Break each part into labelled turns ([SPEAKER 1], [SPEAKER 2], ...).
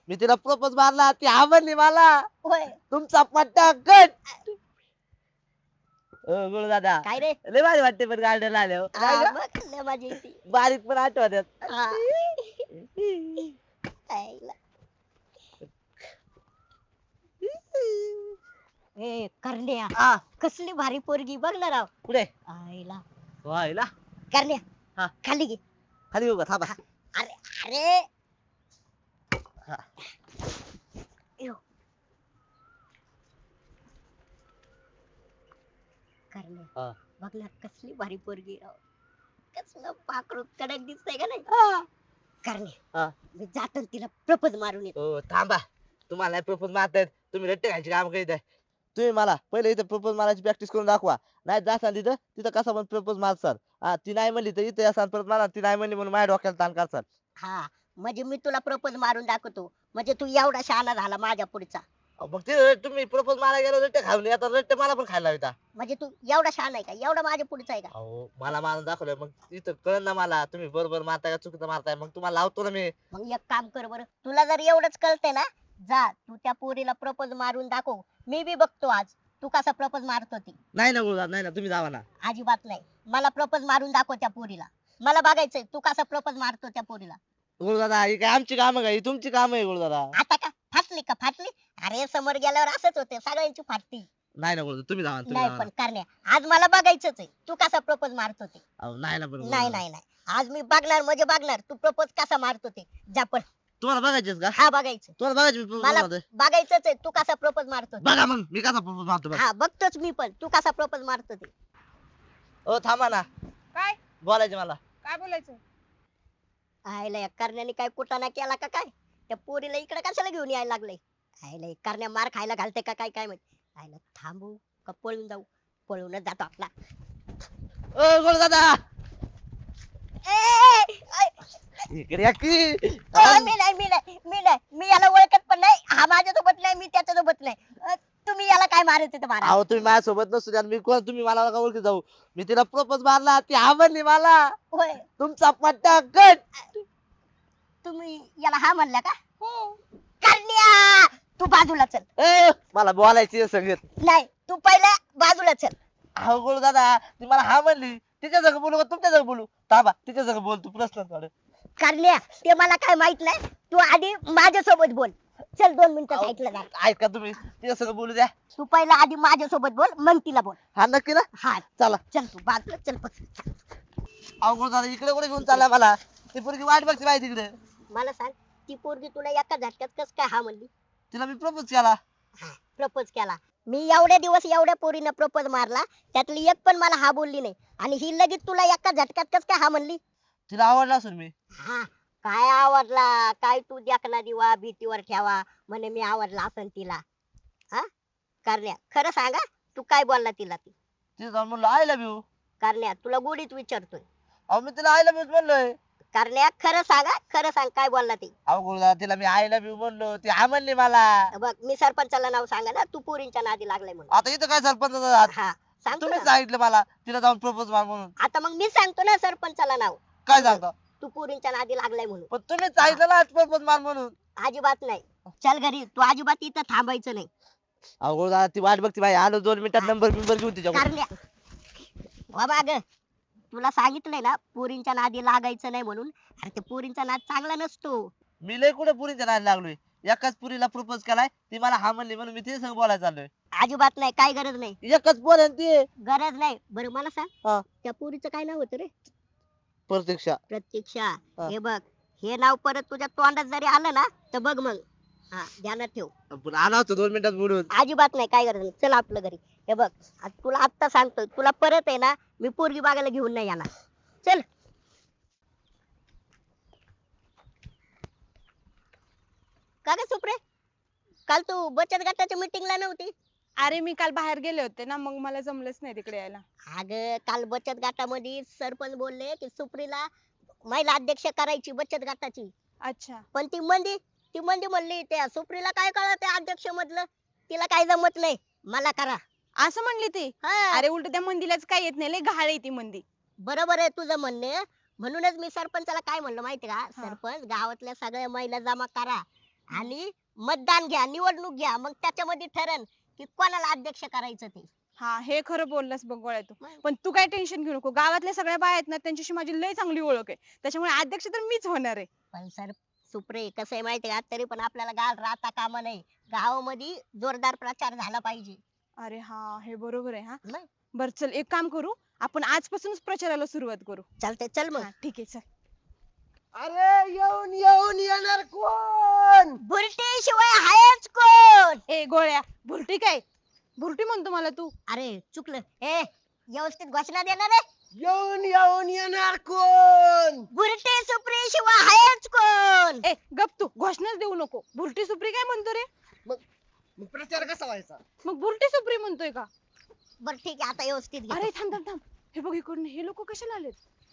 [SPEAKER 1] मी तिला प्रपोज मारला ती आवडली मला.
[SPEAKER 2] होय
[SPEAKER 1] तुमचा पट्टा कट. गुरु दादा
[SPEAKER 2] काय रे
[SPEAKER 1] लय भारी वाटते पण गार्डन आल्यावर काय
[SPEAKER 2] हा,
[SPEAKER 1] ग?
[SPEAKER 2] बघ लय मजा येते
[SPEAKER 1] बारीक पण आठवतात.
[SPEAKER 2] हा. आईला. ए करण्या
[SPEAKER 1] हा
[SPEAKER 2] कसली भारी पोरगी बघ ना राव
[SPEAKER 1] कुठे
[SPEAKER 2] आईला
[SPEAKER 1] व्हायला
[SPEAKER 2] करण्या
[SPEAKER 1] हा
[SPEAKER 2] खाली घे
[SPEAKER 1] खाली येऊ का थांबा.
[SPEAKER 2] अरे अरे
[SPEAKER 1] हा.
[SPEAKER 2] यो. करण्या
[SPEAKER 1] हा.
[SPEAKER 2] बघ ना कसली भारी पोरगी राव कसलं पाखरू कडक दिसतंय का नाही करण्या
[SPEAKER 1] हा.
[SPEAKER 2] मी जातो न तिला प्रपोज मारून येतो
[SPEAKER 1] हो थांबा तुम्हाला नाही प्रपोज मारतायत तुम्ही रट्टे खायची काम करीत आहे. तुम्ही मला पहिले इथं प्रपोज मारायची प्रॅक्टिस करून दाखवा. नाही जासाल तिथं तिथं कसा पण प्रपोज मारसाल. हा ती नाही म्हणली तर इथे असाल परत मला ती नाही म्हणली म्हणून माझ्या डोक्याला ताण करसाल.
[SPEAKER 2] हा म्हणजे मी तुला प्रपोज मारून दाखवतो म्हणजे तू एवढा शहाणा झाला माझ्या पुढचा
[SPEAKER 1] मग ते तुम्ही प्रपोज मारायला गेलो रट्टे खाऊन आता रट्टे मला पण खायला होता.
[SPEAKER 2] म्हणजे तू एवढा शहाणा आहे का एवढा माझ्या पुढचा आहे का
[SPEAKER 1] अहो मला मारून दाखवलं मग इथं कळ ना मला तुम्ही बरोबर मारताय का चुकीचं मारताय मग तुम्हाला लावतो ना मी.
[SPEAKER 2] मग एक काम कर बरं तुला जर एवढंच कळतंय ना जा तू त्या पोरीला प्रपोज मारून दाखव मी बी बघतो आज तू कसा प्रपोज मारतो ती
[SPEAKER 1] नाही ना गुरुदादा नाही ना तुम्ही जावा ना.
[SPEAKER 2] अजिबात नाही मला प्रपोज मारून दाखव त्या पोरीला मला बघायचंय तू कसा प्रपोज मारतो त्या पोरीला
[SPEAKER 1] गुरुदादा ही काय आमची कामं काय ही तुमची काम आहे गुरुदादा.
[SPEAKER 2] आता का फाटली का फाटली अरे समोर गेल्यावर असंच होते सगळ्यांची फाटती
[SPEAKER 1] नाही ना गुरुदादा तुम्ही जावा तुम्ही
[SPEAKER 2] नाही
[SPEAKER 1] जावा
[SPEAKER 2] पण
[SPEAKER 1] ना.
[SPEAKER 2] करण्या आज मला बघायचंच आहे तू कसा प्रपोज मारतो ते
[SPEAKER 1] अहो नाही ना पण
[SPEAKER 2] नाही
[SPEAKER 1] गुरुदादा.
[SPEAKER 2] नाही नाही आज मी बघणार म्हणजे बघणार तू प्रपोज कसा मारतो ते जा पण
[SPEAKER 1] तुम्हाला बघायचेच का
[SPEAKER 2] हा बघायचं
[SPEAKER 1] तुम्हाला बघायचे मी propose
[SPEAKER 2] मला
[SPEAKER 1] मारतोय?
[SPEAKER 2] बघायचंच आहे तू कसा प्रपोज मारतो ते.
[SPEAKER 1] बघा मग मी कसा प्रपोज मारतो बघा.
[SPEAKER 2] हा बघतोच मी पण तू कसा प्रपोज मारतो ते
[SPEAKER 1] हो थांबा ना
[SPEAKER 3] काय
[SPEAKER 1] बोलायचे मला.
[SPEAKER 3] काय बोलायचं
[SPEAKER 2] आयला या करण्याने काय कुटाणा केला का काय त्या पोरीला इकडे कशाला घेऊन यायला लागलंय आयला हे करण्या मार खायला घालते का काय काय माहित आयला थांबू का पळून जाऊ पळूनच जातो आपला
[SPEAKER 1] ओ गुरुदादा
[SPEAKER 2] ए, ए,
[SPEAKER 1] इकडे या की.
[SPEAKER 2] मी याला ओळखत पण नाही हा माझ्यासोबत नाही मी त्याच्यासोबत नाही तुम्ही याला काय मारत होते मारा
[SPEAKER 1] अहो तुम्ही माझ्यासोबत नसतो द्या मी कोण तुम्ही मला नका ओळखी जाऊ. मी तिला प्रपोज मारला ती आवडली मला.
[SPEAKER 2] होय
[SPEAKER 1] तुमचा पट्टा कट.
[SPEAKER 2] तुम्ही याला हा म्हणला का करण्या तू बाजूला चल
[SPEAKER 1] ए मला बोलायची सगळं.
[SPEAKER 2] नाही तू पहिला बाजूला चल
[SPEAKER 1] अहो गुरुदादा ती मला हा म्हणली तिच्या जग बोलू का तुमच्या जग बोलू थांबा तिच्या जग बोल तू प्रश्न काढ.
[SPEAKER 2] करण्या ते मला काय माहित नाही तू आधी माझ्यासोबत बोल चल 2 मिनिटं
[SPEAKER 1] अहो,
[SPEAKER 2] साईडला जा
[SPEAKER 1] ऐका तुम्ही तिच्या सगळं बोलू द्या.
[SPEAKER 2] तू पहिला आधी माझ्यासोबत बोल मग तिला बोल
[SPEAKER 1] हा नक्की ना
[SPEAKER 2] हा
[SPEAKER 1] चला.
[SPEAKER 2] चल तू बाजूला चल बस.
[SPEAKER 1] अहो गुरुदादा इकडे कुठे घेऊन चालला मला ती पोरगी वाट बघते माहिती तिकडे.
[SPEAKER 2] मला सांग ती पोरगी तुला एका झटक्यात कस काय हा म्हणली
[SPEAKER 1] तिला मी प्रपोज केला.
[SPEAKER 2] प्रपोज केला मी एवढ्या दिवस एवढ्या पोरीनं प्रपोज मारला त्यातली एक पण मला हा बोलली नाही आणि ही लगेच तुला एका झटक्यात कस काय हा म्हणली
[SPEAKER 1] तिला आवडला असेल मी.
[SPEAKER 2] हा काय आवडला काय तू देखना दिवा भीतीवर ठेवा म्हणे मी आवडला असन तिला हा करण्या खरं सांगा तू काय बोलला तिला ती
[SPEAKER 1] तिला जाऊन म्हणलं आय लव्ह यू.
[SPEAKER 2] करण्या तुला गोडीत विचारतोय
[SPEAKER 1] अहो मी तिला आय लव्ह यू म्हणलोय.
[SPEAKER 2] करण्या खरं सांगा खरं सांग काय बोलला ती
[SPEAKER 1] अहो गुरुदादा तिला मी आय लव्ह यू म्हणलो ती हा म्हणली मला.
[SPEAKER 2] बघ मी सरपंचाला नाव सांगा ना तू पोरींच्या नादी लागलाय म्हणून
[SPEAKER 1] आता इथं काय सरपंच
[SPEAKER 2] हा सांगतो
[SPEAKER 1] तुम्ही
[SPEAKER 2] ना.
[SPEAKER 1] सांगितलं मला तिला जाऊन प्रपोज मार म्हणून.
[SPEAKER 2] आता मग मी सांगतो ना सरपंचाला नाव
[SPEAKER 1] काय सांगता
[SPEAKER 2] तू पोरींच्या नादी लागलाय म्हणून
[SPEAKER 1] पण तुम्ही सांगितलं ना प्रपोज मार म्हणून.
[SPEAKER 2] अजिबात नाही चल घरी तू अजिबात इथं थांबायचं नाही
[SPEAKER 1] अहो गुरुदादा ती वाट बघती बाई आलो 2 मिनिटात नंबर बिंबर घेऊन तिच्या.
[SPEAKER 2] करण्या बाबा ग तुला सांगितलंय ना पोरींच्या नादी लागायचं नाही म्हणून अरे ते पोरींचा नाद चांगला नसतो
[SPEAKER 1] मी लय कुठे पुरीच्या नादी लागलोय. एकाच पुरीला प्रपोज केलाय ती मला हा म्हणली म्हणून मी तिच्या संग बोलायला चाललोय.
[SPEAKER 2] अजिबात नाही काय गरज नाही
[SPEAKER 1] एकच पोर आहे ना ती.
[SPEAKER 2] गरज नाही बरं मला सांग
[SPEAKER 1] हा.
[SPEAKER 2] त्या पोरीचं काय नाव होतं रे
[SPEAKER 1] प्रतीक्षा.
[SPEAKER 2] प्रतीक्षा
[SPEAKER 1] हा.
[SPEAKER 2] हे बघ हे नाव परत तुझ्या तोंडात जरी आलं ना तर बघ मग हा ध्यानात ठेव
[SPEAKER 1] पण आला होता 2 मिनिटात बोलून.
[SPEAKER 2] अजिबात नाही काय गरज नाही चल आपलं घरी हे बघ तुला आत्ता सांगतोय तुला परत आहे ना मी पोरगी बघायला घेऊन नाही येणार चल का ग सुप्रे काल तू बचत गटाच्या मीटिंगला नव्हती
[SPEAKER 3] अरे मी काल बाहेर गेले होते ना मग मला जमलंच नाही तिकडे यायला
[SPEAKER 2] अगं काल बचत गटामध्ये सरपंच बोलले की सुप्रीला महिला अध्यक्ष करायची बचत गटाची
[SPEAKER 3] अच्छा
[SPEAKER 2] पण ती मंदी म्हणली त्या सुप्रीला काय कळत अध्यक्ष मधलं तिला काय जमत नाही मला करा
[SPEAKER 3] असं म्हणली ती
[SPEAKER 2] हा.
[SPEAKER 3] अरे उलट त्या मंदीलाच काय येत नाही लय घाळ आहे ती मंदी
[SPEAKER 2] बरोबर आहे तुझं म्हणणे म्हणूनच मी सरपंचाला काय म्हणलं माहिती का
[SPEAKER 3] हा.
[SPEAKER 2] सरपंच गावातल्या सगळ्या महिला जमा करा आणि मतदान घ्या, निवडणूक घ्या, मग त्याच्यामध्ये ठरण की कोणाला अध्यक्ष करायचं ते.
[SPEAKER 3] हा हे खरं बोललास बघ गोळ्या तू.
[SPEAKER 2] मग.
[SPEAKER 3] पण तू काय टेन्शन घेऊ नको, गावातल्या सगळ्या बाया आहेत ना त्यांच्याशी माझी लय चांगली ओळख आहे, त्याच्यामुळे अध्यक्ष तर मीच होणार आहे.
[SPEAKER 2] पण सर सुप्रे कसं आहे माहितीये का, तरी पण आपल्याला गाव राहता कामा नये, गावामध्ये जोरदार प्रचार झाला पाहिजे.
[SPEAKER 3] अरे हा हे बरोबर आहे. हा
[SPEAKER 2] मग
[SPEAKER 3] बर चल एक काम करू, आपण आजपासूनच प्रचाराला सुरुवात करू.
[SPEAKER 2] चालतंय, चल मग.
[SPEAKER 3] हा, ठीक आहे चल.
[SPEAKER 4] अरे येऊन येऊन येणार कोण?
[SPEAKER 2] बुरटी शिवाय हायच कोण?
[SPEAKER 3] ए गोळ्या, भुरटी काय भुरटी म्हणतो मला तू?
[SPEAKER 2] अरे चुकलं. ए व्यवस्थित घोषणा देणार आहे.
[SPEAKER 4] येऊन येऊन येणार कोण?
[SPEAKER 2] बुरटी सुप्री शिवाय हायच कोण?
[SPEAKER 3] ए गप तू, घोषणाच देऊ नको. भुरटी सुप्री काय म्हणतो रे?
[SPEAKER 4] मग प्रचार कसा व्हायचा?
[SPEAKER 3] मग भुरटी सुप्री म्हणतोय का?
[SPEAKER 2] बर ठीक आहे, आता व्यवस्थित घे.
[SPEAKER 3] अरे थांब थांब थांब, हे बघ इकडनं हे लोक कशाला आलेत?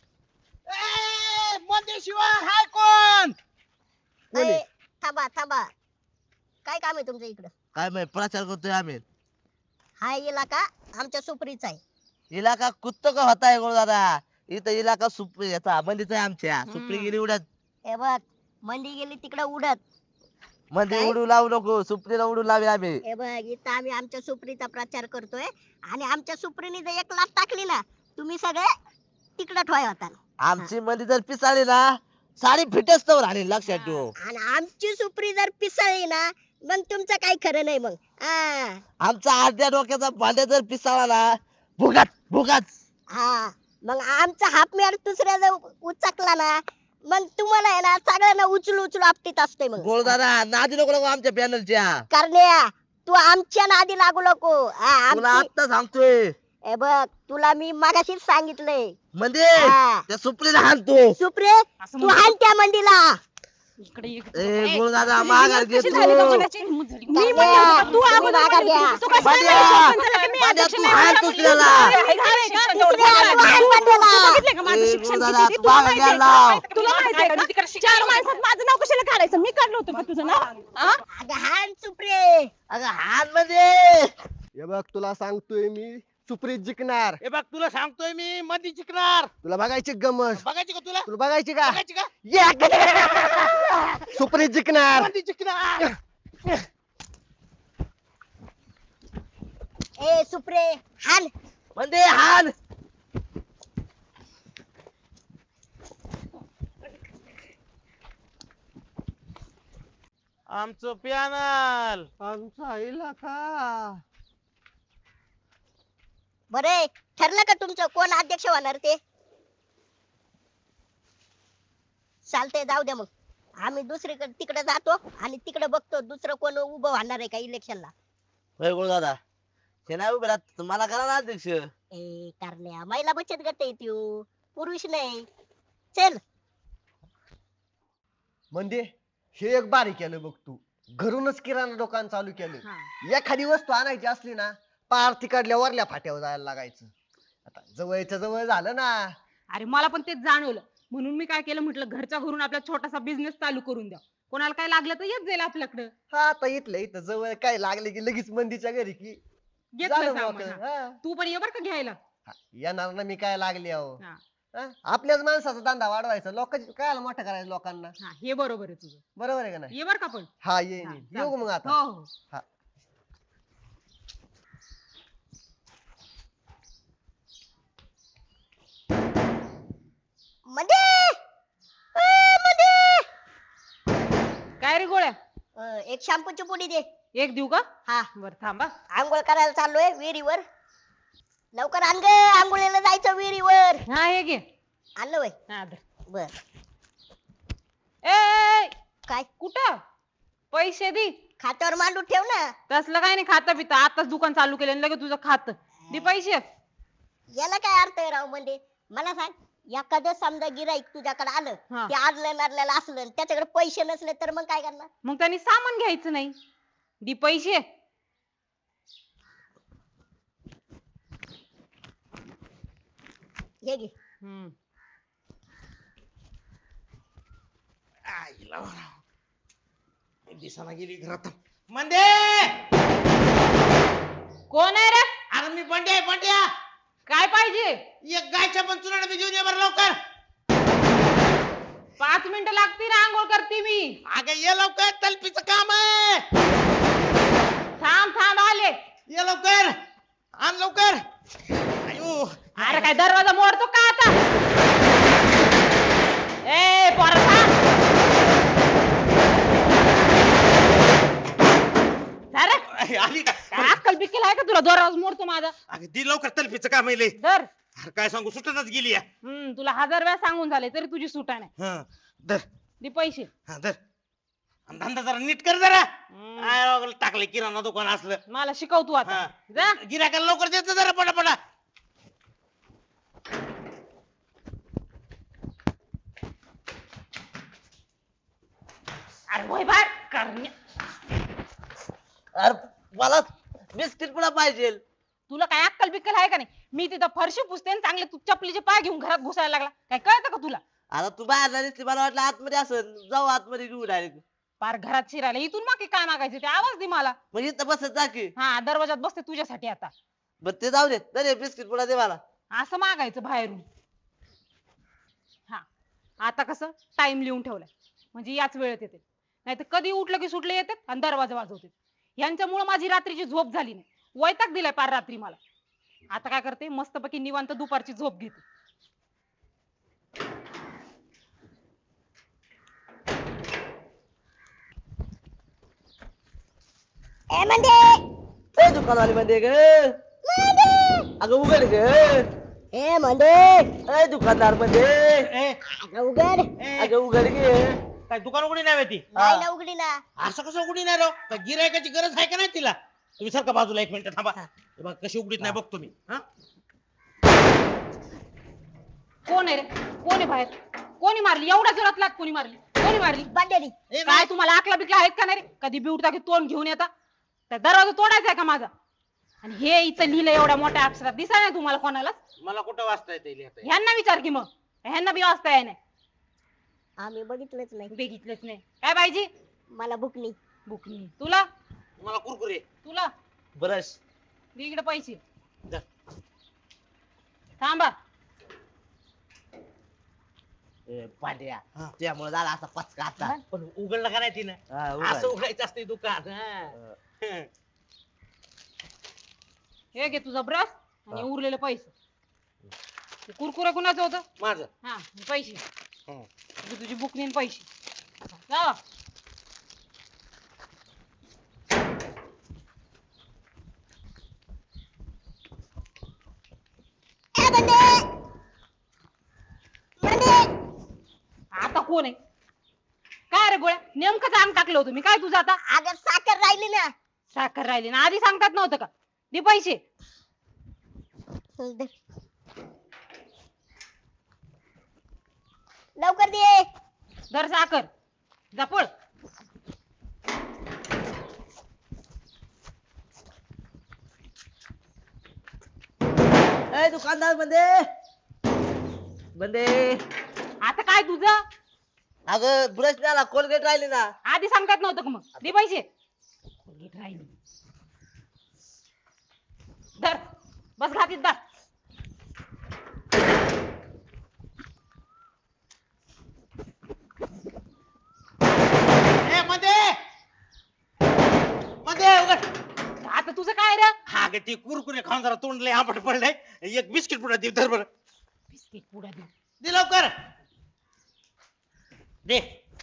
[SPEAKER 4] शिवाय हाय कोण?
[SPEAKER 2] ए, थांबा थांबा, काय काम आहे तुमचं इकडं?
[SPEAKER 1] काय माहित प्रचार करतोय आम्ही.
[SPEAKER 2] हा इलाका आमच्या सुप्रीचा आहे.
[SPEAKER 1] इलाका कुत्तो का होता है गोळ दादा, इथं इलाका सुप्री याचा मंदीचा आहे आमच्या. सुप्री गेली उडत,
[SPEAKER 2] हे बघ, मंदी गेली तिकडे उडत.
[SPEAKER 1] मंदी
[SPEAKER 2] काय?
[SPEAKER 1] उडू लावू नको, सुप्रीला उडू लावे आम्ही.
[SPEAKER 2] हे बघ, इथं आम्ही आमच्या सुप्रीचा प्रचार करतोय आणि आमच्या सुप्रीने जर एक लाट टाकली ना, तुम्ही सगळे तिकडे ठोय होता.
[SPEAKER 1] आमची मंदी जर पिसाळली ना, साडी फिटच तर राहील, लक्षात ठेव.
[SPEAKER 2] आणि आमची सुप्री जर पिसळली ना, मग तुमचं काही खरं नाही मग. हा
[SPEAKER 1] आमचा अर्ध्या डोक्याचा भांड्या जर पिसाळला ना, भुगाच भुगाच.
[SPEAKER 2] हा, मग आमचा हाफ मेअर दुसऱ्या जर उचकला ना, मग तुम्हाला आहे ना सगळ्यांना उचलू उचलू आपटीत असते मग.
[SPEAKER 1] गोळ दादा नादी नको नको आमच्या पॅनलच्या.
[SPEAKER 2] करण्या, तू आमच्या नादी लागू नको. हा,
[SPEAKER 1] तुला
[SPEAKER 2] आमची
[SPEAKER 1] आता सांगतोय
[SPEAKER 2] हे बघ, तुला मी मगाशीच सांगितलंय.
[SPEAKER 1] म्हणजे
[SPEAKER 2] हा.
[SPEAKER 1] त्या सुप्रीला हाणतो.
[SPEAKER 2] सुप्रे, तू हाण त्या मंदीला.
[SPEAKER 3] इकडे ये.
[SPEAKER 1] ए गोळ दादा माघार घे
[SPEAKER 3] कशी
[SPEAKER 1] तू.
[SPEAKER 3] झाली बघ मनाची? मी
[SPEAKER 2] करण्या,
[SPEAKER 3] म्हणलं तू
[SPEAKER 2] तुम्ही
[SPEAKER 3] अगोदर
[SPEAKER 2] माघार
[SPEAKER 3] म्हणली
[SPEAKER 2] घ्या.
[SPEAKER 3] होती, तू कशाला
[SPEAKER 1] भांड्या,
[SPEAKER 3] नाही सरपंच झाला की मी
[SPEAKER 1] भांड्या,
[SPEAKER 3] अध्यक्ष
[SPEAKER 1] तू
[SPEAKER 3] नाही
[SPEAKER 1] हाण
[SPEAKER 3] होणार?
[SPEAKER 1] दुसऱ्याला.
[SPEAKER 3] हे घाल का?
[SPEAKER 2] दुसऱ्या तू हाण मंदीला.
[SPEAKER 3] तू बघितलंय का माझं
[SPEAKER 1] ए,
[SPEAKER 3] शिक्षण
[SPEAKER 1] दादा,
[SPEAKER 3] किती?
[SPEAKER 1] तू
[SPEAKER 3] तुला
[SPEAKER 1] मागं
[SPEAKER 3] माहिती आहे
[SPEAKER 1] घ्यायला
[SPEAKER 3] का?
[SPEAKER 1] लाव.
[SPEAKER 3] तुला माहिती आहे का? चार माणसात माझं नाव कशाला काढायचं? मी काढलं होतं का तुझं नाव? हा?
[SPEAKER 2] अगं हाण सुप्रे.
[SPEAKER 1] अगं हाण म्हणजे
[SPEAKER 4] हे बघ तुला सांगतोय मी, सुप्रीत जिंकणार.
[SPEAKER 5] हे बघ तुला सांगतोय मी मध्ये जिंकणार.
[SPEAKER 4] तुला बघायची गमत?
[SPEAKER 5] बघायची का तुला?
[SPEAKER 4] तुला बघायची का?
[SPEAKER 5] बघायची का?
[SPEAKER 4] सुप्रीत जिंकणार.
[SPEAKER 5] मध्ये जिंकणार.
[SPEAKER 2] ए सुप्रे, हाण.
[SPEAKER 1] म्हणजे हाण.
[SPEAKER 5] आमचं पॅनल.
[SPEAKER 4] आमचा इलाका.
[SPEAKER 2] बरे, ठरलं का तुमचं कोण अध्यक्ष होणार ते? चालतंय, जाऊ द्या मग. आम्ही दुसरीकडे तिकडे जातो आणि तिकडे बघतो दुसरं कोण उभं होणार आहे का इलेक्शनला.
[SPEAKER 1] होय गोळ दादा, हे नाही उभे राहत, तुम्हाला करा ना अध्यक्ष.
[SPEAKER 2] ए करण्या, महिला बचत गट आहे त्यो, पुरुष नाही. चल.
[SPEAKER 4] म्हणजे हे एक बारी केलं बघ तू, घरूनच किराणा दुकान चालू केलं. एखादी वस्तू आणायची असली ना, पार तिकडल्या वरल्या फाट्यावर जायला लागायचं. आता जवळच्या जवळ झालं ना.
[SPEAKER 6] अरे मला पण तेच जाणवलं, म्हणून मी काय केलं, म्हटलं घरच्या घरून आपला छोटासा बिझनेस चालू करून द्या, कोणाला काय लागलं तर येत जाईल आपल्याकडं.
[SPEAKER 4] हा आता इथलं इथं जवळ काय लागले की लगेच मंदीच्या घरी की
[SPEAKER 6] घेतलं
[SPEAKER 4] झालं
[SPEAKER 6] सामान,
[SPEAKER 4] मोकळं.
[SPEAKER 6] हा.
[SPEAKER 4] हा.
[SPEAKER 6] तू पण ये बर का घ्यायला.
[SPEAKER 4] हा, येणार ना मी काय लागले अहो.
[SPEAKER 6] हा.
[SPEAKER 4] हा? आपल्याच माणसाचा धंदा वाढवायचा, लोकांची काय मोठं करायचं लोकांना.
[SPEAKER 6] हा, हे बरोबर आहे तुझं.
[SPEAKER 4] बरोबर आहे का नाही?
[SPEAKER 6] ये बर का पण.
[SPEAKER 4] हा ये
[SPEAKER 6] हा,
[SPEAKER 4] येऊ का मग आता?
[SPEAKER 6] हो हो.
[SPEAKER 2] मध्ये मध्ये
[SPEAKER 6] काय रे गोळ्या,
[SPEAKER 2] एक शॅम्पूची पुडी दे.
[SPEAKER 6] एक देऊ का?
[SPEAKER 2] हा,
[SPEAKER 6] बर थांबा.
[SPEAKER 2] आंघोळ करायला चाललोय विहिरीवर. लवकर आण ग, आंघोळीला जायचं विहिरीवर.
[SPEAKER 6] हा हे घे.
[SPEAKER 2] आणलं वय?
[SPEAKER 6] हा धर.
[SPEAKER 2] बर.
[SPEAKER 6] ए
[SPEAKER 2] काय?
[SPEAKER 6] कुठं पैसे दे.
[SPEAKER 2] खात्यावर मांडून ठेव ना.
[SPEAKER 6] तसलं काय नाही, खाता पिता आताच दुकान चालू केलं आणि लगेच तुझं खात दे पैसे.
[SPEAKER 2] याला काय अर्थ आहे राव? म्हणजे मला सांग, एखादं समजा गिराईक तुझ्याकडे आलं,
[SPEAKER 6] हा.
[SPEAKER 2] ते आदलं नादलेलं असलं आणि त्याच्याकडे पैसे नसले तर मग काय करणार?
[SPEAKER 6] मग त्यांनी सामान घ्यायचं नाही, दे पैसे.
[SPEAKER 2] हे घे.
[SPEAKER 6] हम्म.
[SPEAKER 5] आईला बरं. दिसाना गेली घरात. मंदे,
[SPEAKER 6] कोण आहे रे?
[SPEAKER 5] अरे मी बंड्या आहे, बंड्या.
[SPEAKER 6] काय पाहिजे?
[SPEAKER 5] एक गायच्या पण चुनाला बी घेऊन ये बरं लवकर.
[SPEAKER 6] 5 मिनिटं लागतील आंघोळ करते मी.
[SPEAKER 5] अगं ये लवकर तलपीचं काम आहे.
[SPEAKER 6] थांब थांब आले.
[SPEAKER 5] ये लवकर आण लवकर. अयो
[SPEAKER 6] अरे काय दरवाजा मोडतो का आता? ए पोरा थांब. अरे
[SPEAKER 5] आली का?
[SPEAKER 6] काय अक्कल बिक्कल आहे का तुला? दरवाजा मोडतो माझा.
[SPEAKER 5] अगं दी लवकर तलपीचं काम आहे लय.
[SPEAKER 6] धर.
[SPEAKER 5] अरे काय सांगू सुटतच गेली या.
[SPEAKER 6] तुला 1000 वेळा सांगून झाले तरी तुझी सुटा नाही.
[SPEAKER 5] हं, धर
[SPEAKER 6] दे पैसे.
[SPEAKER 5] हा धर. आणि धंदा जरा नीट कर जरा. काय राव, टाकले किराणा दुकान असलं.
[SPEAKER 6] मला शिकव तू आता.
[SPEAKER 5] हा.
[SPEAKER 6] जा.
[SPEAKER 5] गिराकाला लवकर देत जरा पटापटा.
[SPEAKER 6] अरे वय बाय करण्या.
[SPEAKER 1] अरे मला बिस्किट पुडा पाहिजे.
[SPEAKER 6] तुला काय अक्कल बिक्कल आहे का नाही? मी तिथं फरशी पुसते आणि चांगले तू चपलीचे पाय घेऊन घरात घुसायला लागला. काय कळतं का तुला?
[SPEAKER 1] आता तू बाहेर नाही दिसली, मला वाटलं आतमध्ये असं जाऊ आतमध्ये घेऊ डायरेक्ट.
[SPEAKER 6] पार घरात शिरायला इथून मागे काय मागायचे ते आवाज दे मला.
[SPEAKER 1] मग इथं बसत जा की.
[SPEAKER 6] हा दरवाजात बसते तुझ्यासाठी आता.
[SPEAKER 1] बरं ते जाऊ दे. दे बिस्किट पुडा दे मला.
[SPEAKER 6] असं मागायचं बाहेरून. हा आता कसं टाइम लिहून ठेवलाय म्हणजे याच वेळेत येते. नाही तर कधी उठलं की सुटले येतात आणि दरवाजा वाजवतात. यांच्यामुळे माझी रात्रीची झोप झाली नाही. वैताग दिलाय पार रात्री मला. आता काय करते मस्तपैकी निवांत दुपारची झोप घेते.
[SPEAKER 2] ए म्हणजे
[SPEAKER 1] ए दुकानवाली मध्ये ग. अगं उघड ग.
[SPEAKER 2] ए म्हणजे
[SPEAKER 1] ए दुकानदार मध्ये.
[SPEAKER 5] ए,
[SPEAKER 2] उघड.
[SPEAKER 5] ए,
[SPEAKER 1] अगं उघड गे.
[SPEAKER 5] काय दुकान उघडी नाही ती?
[SPEAKER 2] नाही ना उघडी ना.
[SPEAKER 5] असं कसं उघडी नाही राव? काय गिरायकाची गरज आहे का नाही तिला? तुम्ही सारखा बाजूला 1 मिनिट थांबा. हे बघ कशी उघडीत नाही बघतो मी. हा
[SPEAKER 6] कोण आहे रे? कोण आहे बाहेर? कोणी मारली? एवढ्या जोरात लाट कोणी मारली? कोणी मारली?
[SPEAKER 2] बांडेरी.
[SPEAKER 5] ए,
[SPEAKER 6] काय तुम्हाला आकला बिकला आहेत का नाही रे? कधी बिवटा की तोंड घेऊन येता? त्या दरवाजा तोडायचा आहे का माझा? आणि हे इथं लिहिलं एवढ्या मोठ्या अक्षरात दिसाय नाही तुम्हाला कोणालाच?
[SPEAKER 5] मला कुठं वाचता येते लिहिता?
[SPEAKER 6] ह्यांना विचार की मग. ह्यांना बी वाचता येत नाही.
[SPEAKER 2] आम्ही बघितलंच नाही.
[SPEAKER 6] बघितलंच नाही. काय पाहिजे?
[SPEAKER 2] मला बुकनी.
[SPEAKER 6] बुकनी. तुला?
[SPEAKER 5] मला कुरकुरे.
[SPEAKER 6] तुला?
[SPEAKER 1] ब्रश.
[SPEAKER 6] दे इकडे पैसे.
[SPEAKER 5] धर.
[SPEAKER 6] थांबा.
[SPEAKER 1] पांड्या
[SPEAKER 5] हा.
[SPEAKER 1] त्यामुळे झाला असा पचका आता.
[SPEAKER 5] पण उघडलं का नाही तिनं?
[SPEAKER 1] हा, उघड.
[SPEAKER 5] असं उघडायचं असते दुकान. हा.
[SPEAKER 6] हे घे तुझा ब्रश आणि
[SPEAKER 1] हा.
[SPEAKER 6] उरलेले पैसे. ते कुरकुरे कुणाचं होतं?
[SPEAKER 5] माझं.
[SPEAKER 6] हा पैसे.
[SPEAKER 5] हं.
[SPEAKER 6] हे तुझी बुकनी आणि पैसे. जा.
[SPEAKER 2] ए बंडे. बंडे.
[SPEAKER 6] आता कोण आहे? काय रे गोळ्या? नेमकंच अंग टाकलं होतं मी. काय तुझं आता?
[SPEAKER 2] अगं साखर राहिली ना.
[SPEAKER 6] साखर राहिली ना. आधी सांगतात नव्हतं का? दे पैसे.
[SPEAKER 2] दे. लवकर दे.
[SPEAKER 6] धर साखर. जा पळ.
[SPEAKER 1] ए दुकानदार मध्ये. मध्ये.
[SPEAKER 6] आता काय तुझं?
[SPEAKER 1] अगं ब्रश द्याला कोलगेट राहिली ना.
[SPEAKER 6] आधी सांगतात नव्हतं का मग? दे पैसे. नीट राहिली. धर. बस घातीत बस.
[SPEAKER 5] ए, मध्ये मध्ये उघड.
[SPEAKER 6] आता तुझं काय रे?
[SPEAKER 5] हा ग ते कुरकुरे खाऊन जरा तोंड लय आंबट पडलंय. एक बिस्किट पुडा दे धर बरं.
[SPEAKER 6] बिस्किट पुडा दे.
[SPEAKER 5] दे लवकर. दे.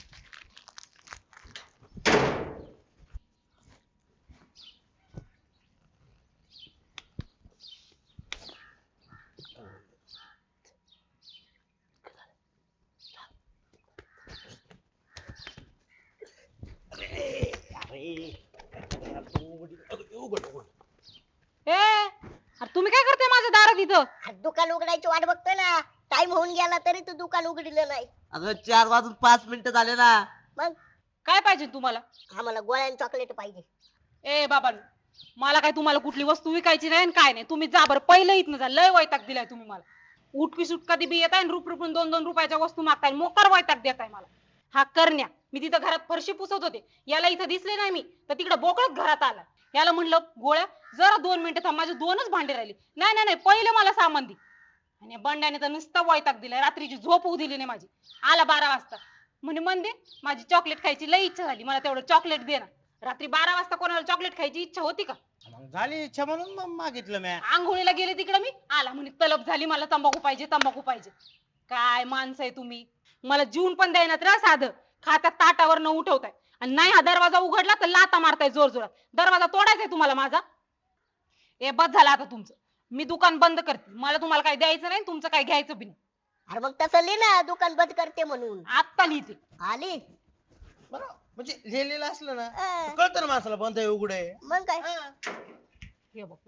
[SPEAKER 5] उघड उघड.
[SPEAKER 6] ए अरे तुम्ही काय करताय माझ्या दारात इथं?
[SPEAKER 2] आज दुकान उघडायची वाट बघतोय ना. टाइम होऊन गेला तरी तू दुकान उघडलं नाही.
[SPEAKER 1] अगं 4 वाजून 5 मिनिटं झाले ना.
[SPEAKER 2] मग
[SPEAKER 6] काय पाहिजे तुम्हाला?
[SPEAKER 2] आम्हाला गोळ्या चॉकलेट पाहिजे.
[SPEAKER 6] ए बाबा मला काय तुम्हाला कुठली वस्तू विकायची नाही आणि काय नाही. तुम्ही जा बरं पहिलं इथनं जा. लय वैताग दिलाय तुम्ही मला. उठकी सुट कधी बी येताय आणि रुपरून 2-2 रुपयाच्या वस्तू मागताय. मोकार वैताग देताय मला. हा करण्या मी तिथं घरात फरशी पुसत होते. याला इथं दिसले नाही मी तर तिकडे बोकळत घरात आला. याला म्हणलं गोळ्या जरा 2 मिनिटं थांब. माझे 2च भांडे राहिले. नाही नाही नाही पहिलं मला सामान दे. आणि या बंड्याने तर नुसतं वैताग दिलाय, रात्रीची झोप होऊ दिली नाही माझी. आला 12 वाजता म्हणे मंदे माझी चॉकलेट खायची लई इच्छा झाली, मला तेवढं चॉकलेट दे ना. रात्री 12 वाजता कोणाला चॉकलेट खायची इच्छा होती का?
[SPEAKER 5] मग झाली इच्छा म्हणून मग मागितलं मी.
[SPEAKER 6] आंघोळीला गेले तिकडे मी, आला म्हणे तलब झाली मला, तंबाखू पाहिजे तंबाखू पाहिजे. काय माणसं आहे तुम्ही, मला जीवन पण द्यायनात रा साधं. खात्यात ताटावर न उठवताय आणि नाही हा दरवाजा उघडला तर लाता मारताय जोर जोरात. दरवाजा तोडायचा आहे तुम्हाला माझा? ए बस झालं आता तुमचं, मी दुकान बंद करते. मला तुम्हाला काय द्यायचं नाही, तुमचं काय घ्यायचं बी नाही.
[SPEAKER 2] अरे मग तसं लिह ना, दुकान बंद करते म्हणून.
[SPEAKER 6] आत्ता लिहिते.
[SPEAKER 2] आली
[SPEAKER 5] बरं म्हणजे लिहिलेलं असलं ना
[SPEAKER 2] अं,
[SPEAKER 5] कळतं ना माणसाला बंद आहे उघड आहे.
[SPEAKER 2] मग काय
[SPEAKER 5] हा.
[SPEAKER 6] हे बघ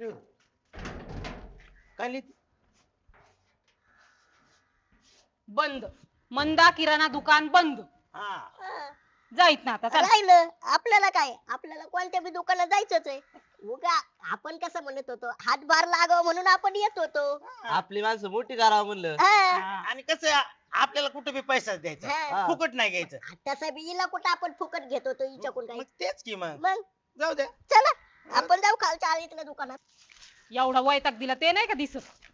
[SPEAKER 5] काय लिहिते?
[SPEAKER 6] बंद. मंदा किराणा दुकान बंद.
[SPEAKER 5] हा
[SPEAKER 2] हं.
[SPEAKER 6] जाईत ना आता चला.
[SPEAKER 2] राहिलं आपल्याला काय, आपल्याला कोणत्या बी दुकानात जायचंच आहे. उगा आपण कसं म्हणत होतो, हातभार लागावं म्हणून आपण येत होतो.
[SPEAKER 1] आपली माणसं मोठी करावं म्हणलं.
[SPEAKER 2] हा.
[SPEAKER 6] हा.
[SPEAKER 5] आणि कसं आहे, आपल्याला कुठे बी पैसा द्यायचा,
[SPEAKER 2] हा.
[SPEAKER 5] फुकट नाही घ्यायचं.
[SPEAKER 2] तसं बी हिला कुठं आपण फुकट घेत होतो हिच्याकडून काही.
[SPEAKER 5] मग तेच की मग
[SPEAKER 2] मग
[SPEAKER 5] जाऊ द्या.
[SPEAKER 2] चला आपण जाऊ खालच्या आळीतल्या दुकानात.
[SPEAKER 6] एवढा वैताग दिला ते नाही का दिसत.